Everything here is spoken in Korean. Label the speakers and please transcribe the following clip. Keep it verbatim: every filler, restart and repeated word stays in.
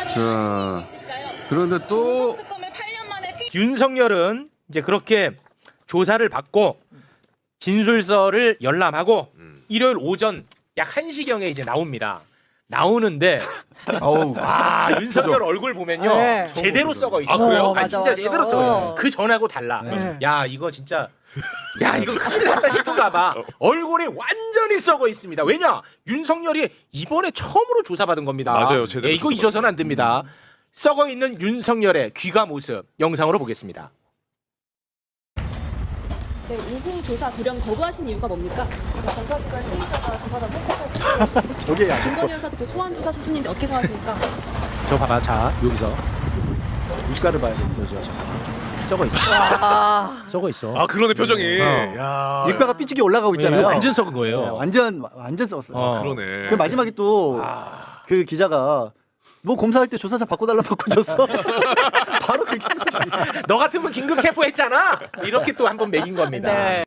Speaker 1: 자, 그런데 또
Speaker 2: 윤석열은 이제 그렇게 조사를 받고 진술서를 열람하고
Speaker 3: 음.
Speaker 2: 일요일 오전 약 한 시경에 이제 나옵니다. 나오는데
Speaker 4: 어우.
Speaker 2: 와 윤석열 얼굴 보면요
Speaker 5: 네.
Speaker 2: 제대로 썩어 있어.
Speaker 3: 아, 그래요?
Speaker 5: 어,
Speaker 2: 아,
Speaker 5: 맞아,
Speaker 2: 진짜
Speaker 5: 맞아.
Speaker 2: 제대로 썩어.
Speaker 5: 어.
Speaker 2: 그 전하고 달라.
Speaker 5: 네.
Speaker 2: 야 이거 진짜 야 이거 큰일 났다 싶은가봐. 얼굴이 완전히 썩어 있습니다. 왜냐 윤석열이 이번에 처음으로 조사받은 겁니다.
Speaker 3: 맞아요, 제대로
Speaker 2: 예, 이거
Speaker 3: 조사받은
Speaker 2: 잊어서는 안 됩니다. 썩어 있는 윤석열의 귀가 모습 영상으로 보겠습니다.
Speaker 6: 네, 오후 조사 돌연 거부하신 이유가 뭡니까? 검사실과 피의자가 조사를 선택할 수
Speaker 4: 저게 야.
Speaker 6: 김건희 여사도 그 소환 조사 수준인데 어떻게 생각하십니까?
Speaker 2: 저 봐봐 자 여기서
Speaker 4: 무시가를 봐야 되는 거죠.
Speaker 2: 썩어 있어.
Speaker 5: 아,
Speaker 2: 썩어 있어.
Speaker 3: 아 그러네 표정이.
Speaker 2: 어.
Speaker 3: 야.
Speaker 4: 입가가 삐죽이 올라가고 있잖아요.
Speaker 2: 이거 완전 썩은 거예요.
Speaker 4: 네, 완전 완전 썩었어요.
Speaker 2: 어.
Speaker 3: 그러네.
Speaker 4: 그 마지막에 또 그
Speaker 2: 아.
Speaker 4: 기자가 뭐 검사할 때 조사자 바꿔달라 바꿔줬어. 바로 그렇게 한 거지.
Speaker 2: 너 같으면 긴급 체포했잖아. 이렇게 또 한 번 매긴 겁니다.
Speaker 5: 네.